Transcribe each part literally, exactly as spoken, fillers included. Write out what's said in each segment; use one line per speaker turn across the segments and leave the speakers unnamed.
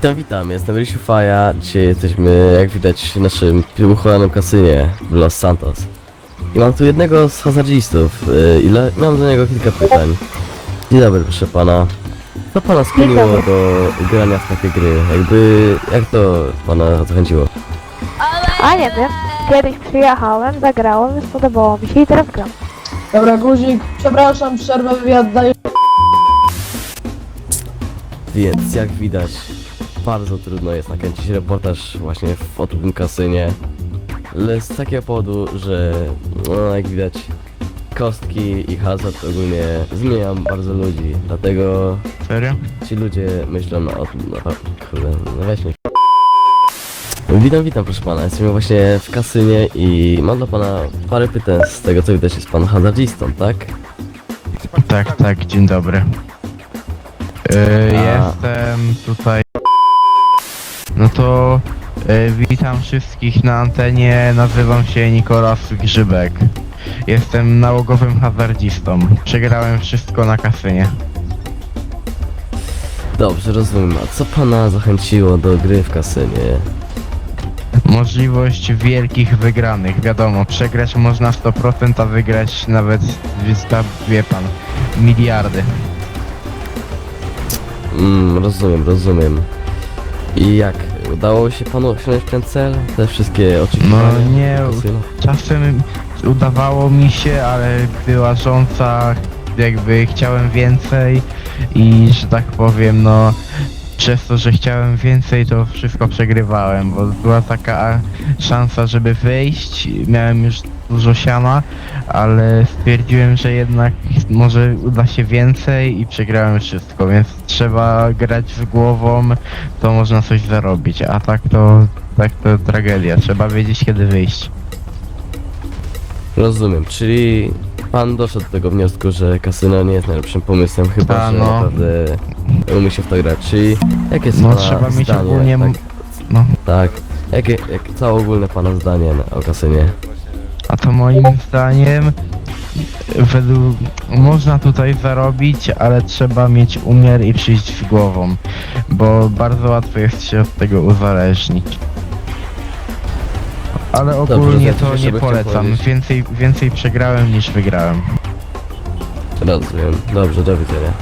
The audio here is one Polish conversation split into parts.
Witam, witam, jestem Rysiu Faja. Dzisiaj jesteśmy, jak widać, w naszym uchowanym kasynie w Los Santos. I mam tu jednego z hazardzistów yy, i le- mam do niego kilka pytań. Dzień dobry, proszę pana. Co pana skłoniło do grania w takie gry? Jakby, jak to pana zachęciło?
A nie wiem, kiedyś przyjechałem, zagrałem, spodobało mi się i teraz gram.
Dobra, guzik, przepraszam, przerwę wywiad daję.
Więc, jak widać, bardzo trudno jest nakręcić reportaż właśnie w oto kasynie. Ale z takiego powodu, że no, jak widać, kostki i hazard ogólnie zmieniają bardzo ludzi, dlatego
Serio?
ci ludzie myślą no, o tym, no, kurde, no weź mnie. Witam, witam proszę pana, jesteśmy właśnie w kasynie i mam dla pana parę pytań. Z tego co widać, jest pan hazardzistą, tak?
Tak, tak, dzień dobry. Yy,
A.
Jestem tutaj. No to yy, witam wszystkich na antenie, nazywam się Nikolas Grzybek. Jestem nałogowym hazardzistą. Przegrałem wszystko na kasynie.
Dobrze, rozumiem. A co pana zachęciło do gry w kasynie?
Możliwość wielkich wygranych, wiadomo, przegrać można sto procent, a wygrać nawet, wie pan, miliardy.
Mm, rozumiem, rozumiem. I jak? Udało się panu osiągnąć ten cel? Te wszystkie oczekiwania?
No nie,
kasyna?
czasem udawało mi się, ale była rządza, jakby chciałem więcej i że tak powiem, no przez to, że chciałem więcej, to wszystko przegrywałem, bo była taka szansa, żeby wyjść, miałem już dużo siana, ale stwierdziłem, że jednak może uda się więcej i przegrałem wszystko, więc trzeba grać z głową, to można coś zarobić, a tak to, tak to tragedia, trzeba wiedzieć kiedy wyjść.
Rozumiem, czyli pan doszedł do tego wniosku, że kasyno nie jest najlepszym pomysłem, chyba
Ta,
że
no.
naprawdę umie się w to grać. Czyli jakie jest
No
pana
trzeba mieć
zdanie?
ogólnie,
Tak,
no.
tak. Jakie, jak, całe ogólne pana zdanie na- o kasynie?
A to moim zdaniem według można tutaj zarobić, ale trzeba mieć umiar i przyjść z głową, bo bardzo łatwo jest się od tego uzależnić. Ale ogólnie
Dobrze,
to
jeszcze
nie
bym chciał
polecam.
powiedzieć.
Więcej, więcej przegrałem niż wygrałem.
Rozumiem. Dobrze, do widzenia.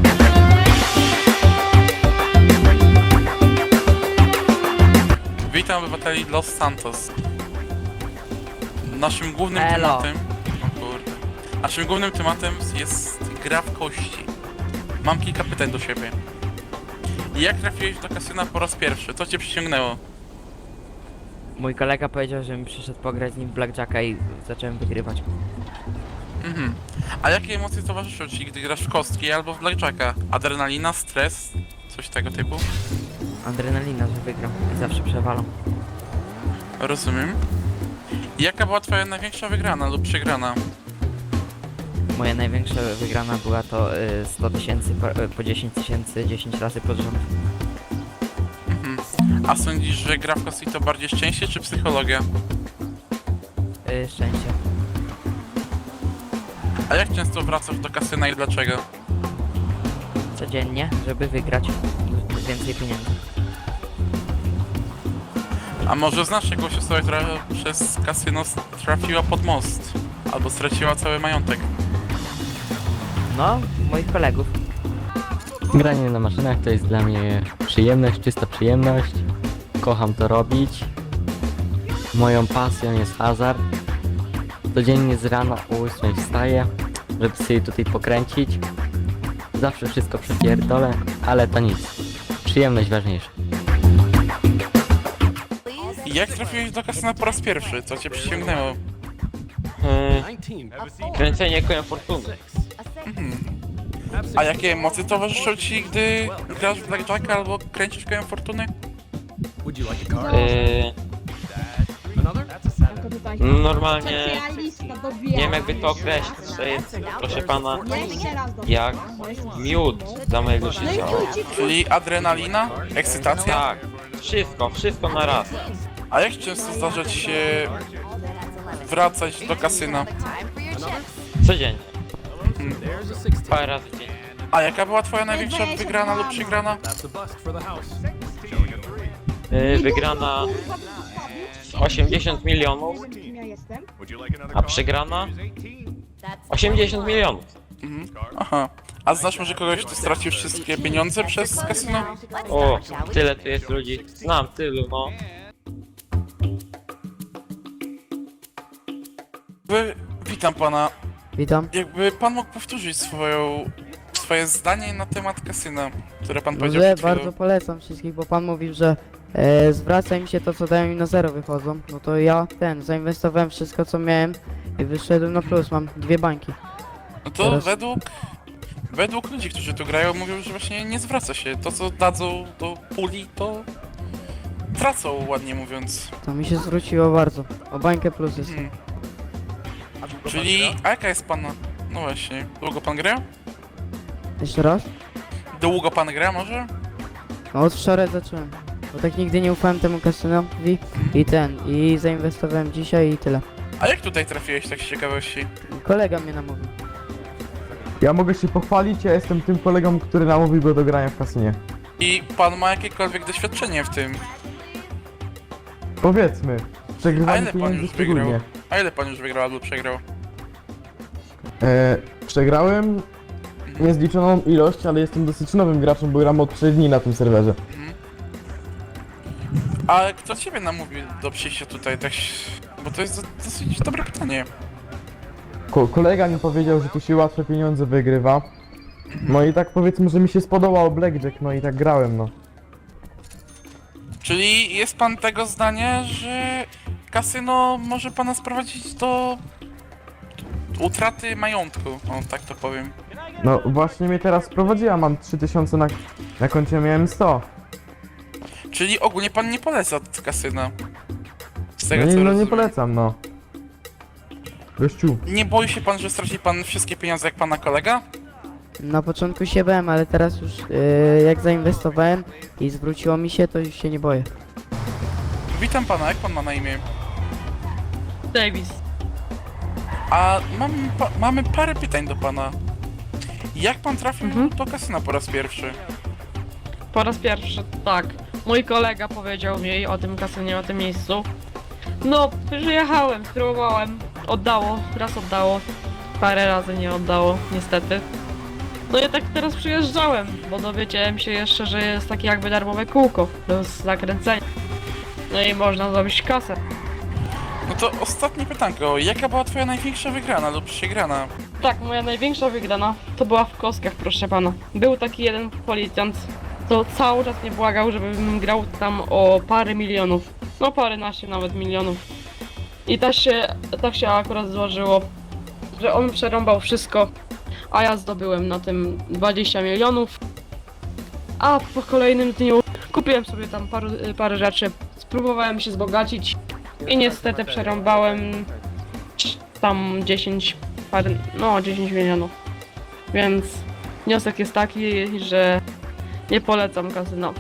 Witam obywateli Los Santos. Naszym głównym
Elo.
tematem... O kurde. Naszym głównym tematem jest gra w kości. Mam kilka pytań do siebie. Jak trafiłeś do kasyna po raz pierwszy? Co cię przyciągnęło?
Mój kolega powiedział, że mi przyszedł pograć z nim w Blackjacka i zacząłem wygrywać.
Mhm. A jakie emocje towarzyszą ci, gdy grasz w kostki albo w blackjacka? Adrenalina, stres? Coś tego typu?
Adrenalina, że wygram i zawsze przewalam.
Rozumiem. I jaka była twoja największa wygrana lub przegrana?
Moja największa wygrana była to y, sto tysięcy po, y, po dziesięć tysięcy dziesięć razy pod rząd.
Mhm. A sądzisz, że gra w kostki to bardziej szczęście czy psychologia?
Y, szczęście.
A jak często wracasz do kasyna i dlaczego?
Codziennie, żeby wygrać więcej pieniędzy.
A może znasz jakąś osobę, która przez kasyno trafiła pod most? Albo straciła cały majątek?
No, moich kolegów.
Granie na maszynach to jest dla mnie przyjemność, czysta przyjemność. Kocham to robić. Moją pasją jest hazard. Codziennie z rana o ósmej wstaję, żeby sobie tutaj pokręcić. Zawsze wszystko przepierdolę, ale to nic. Przyjemność ważniejsza.
I jak trafiłeś do kasyna po raz pierwszy? Co cię przyciągnęło?
Kręcenie kołem fortuny.
A jakie emocje towarzyszą ci, gdy grasz w blackjacka albo kręcisz kołem fortuny?
Yy, normalnie nie wiem jakby to określić, to jest, proszę pana, jak miód dla mojego życia.
Czyli adrenalina? Ekscytacja?
Tak, wszystko, wszystko na raz.
A jak często zdarza ci się wracać do kasyna?
Codziennie. Parę razy dziennie.
A jaka była twoja największa wygrana lub przegrana?
y, wygrana osiemdziesiąt milionów, a przegrana osiemdziesiąt milionów.
Mhm. Aha. A znasz może kogoś, kto stracił wszystkie pieniądze przez kasyno?
O, tyle tu jest ludzi. Znam tylu, no.
Wy, witam pana.
Witam.
Jakby pan mógł powtórzyć swoją, swoje zdanie na temat kasyna, które pan powiedział
Dobrze,
przed chwilą.
bardzo polecam wszystkich, bo pan mówił, że e, zwraca im się to, co dają im na zero wychodzą. No to ja ten, zainwestowałem wszystko, co miałem i wyszedłem na plus, mam dwie bańki.
No to
Teraz-
według, według ludzi, którzy tu grają, mówią, że właśnie nie zwraca się. To, co dadzą do puli, to tracą, ładnie mówiąc.
To mi się zwróciło bardzo. O bańkę plus jest.
Hmm. Czyli, a jaka jest pana... No właśnie, długo pan gra?
Jeszcze raz?
Długo pan gra może?
No od wczoraj zacząłem. Bo tak nigdy nie ufałem temu kasynowi i ten, i zainwestowałem dzisiaj i tyle.
A jak tutaj trafiłeś, tak z ciekawości?
Kolega mnie namówił.
Ja mogę się pochwalić, ja jestem tym kolegą, który namówił go do grania w kasynie.
I pan ma jakiekolwiek doświadczenie w tym?
Powiedzmy,
A
przegrywanie
ile pan
pieniędzy
już wygrał?
szczególnie.
A ile pan już wygrał albo przegrał?
E, przegrałem niezliczoną ilość, ale jestem dosyć nowym graczem, bo gram od trzech dni na tym serwerze.
A kto ciebie namówił do przyjścia tutaj, tak... się- Bo to jest do- dosyć dobre pytanie.
Ko kolega mi powiedział, że tu się łatwe pieniądze wygrywa. No i tak powiedzmy, że mi się spodobał Blackjack, no i tak grałem, no.
Czyli jest pan tego zdania, że kasyno może pana sprowadzić do utraty majątku, o tak to powiem.
No właśnie mnie teraz prowadziła, mam trzy tysiące na, na koncie, miałem sto.
Czyli ogólnie pan nie poleca kasyna. Z tego
No nie,
co
no nie
rozumiem.
polecam, no. Gościu.
Nie boi się pan, że straci pan wszystkie pieniądze jak pana kolega?
Na początku się bałem, ale teraz już e, jak zainwestowałem i zwróciło mi się, to już się nie boję.
Witam pana, jak pan ma na imię?
Davis.
A mam, pa, mamy parę pytań do pana. Jak pan trafił
Mhm.
do kasyna po raz pierwszy?
Po raz pierwszy, tak. Mój kolega powiedział mi o tym kasynie, o tym miejscu. No, przyjechałem, spróbowałem. Oddało, raz oddało. Parę razy nie oddało, niestety. No i tak teraz przyjeżdżałem, bo dowiedziałem się jeszcze, że jest takie jakby darmowe kółko do zakręcenia. No i można zrobić kasę.
No to ostatnie pytanko, jaka była twoja największa wygrana lub przegrana?
Tak, moja największa wygrana to była w kostkach, proszę pana. Był taki jeden policjant, to cały czas mnie błagał, żebym grał tam o parę milionów. No paręnaście nawet milionów. I tak się, tak się akurat złożyło, że on przerąbał wszystko, a ja zdobyłem na tym dwadzieścia milionów. A po kolejnym dniu kupiłem sobie tam parę, parę rzeczy, spróbowałem się wzbogacić i niestety przerąbałem tam dziesięć parę, no dziesięć milionów. Więc wniosek jest taki, że nie polecam kasyna.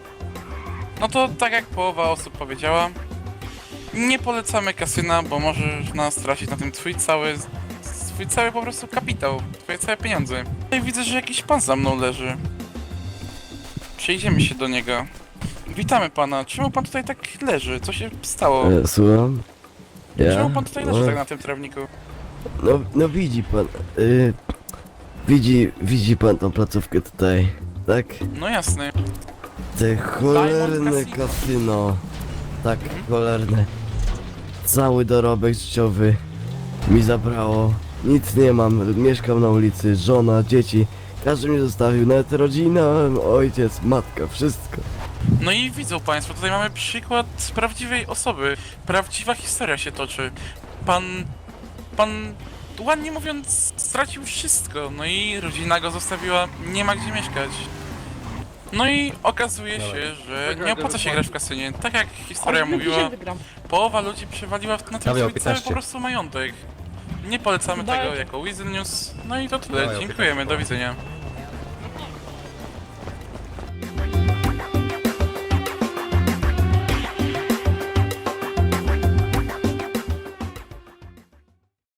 No to tak jak połowa osób powiedziała, nie polecamy kasyna, bo możesz nas stracić na tym twój cały, swój cały po prostu kapitał, twoje całe pieniądze. Tutaj widzę, że jakiś pan za mną leży. Przejdziemy się do niego. Witamy pana, czemu pan tutaj tak leży? Co się stało?
E, słucham? Ja?
Czemu pan tutaj leży
No,
tak na tym trawniku?
no, no widzi pan, y, widzi, widzi pan tą placówkę tutaj, tak?
No jasne.
Te cholerne
Casino.
kasyno. Tak, cholerne. Cały dorobek życiowy mi zabrało. Nic nie mam, mieszkam na ulicy, żona, dzieci. Każdy mnie zostawił, nawet rodzina, ojciec, matka, wszystko.
No i widzą państwo, tutaj mamy przykład prawdziwej osoby. Prawdziwa historia się toczy. Pan... Pan... ładnie mówiąc, stracił wszystko. No i rodzina go zostawiła, nie ma gdzie mieszkać. No i okazuje się, że nie opłaca się grać w kasynie. Tak jak historia mówiła,
Wygram.
połowa ludzi przewaliła na tym swój cały po prostu majątek. Nie polecamy tego jako Weasel News. No i to tyle, dziękujemy, do widzenia.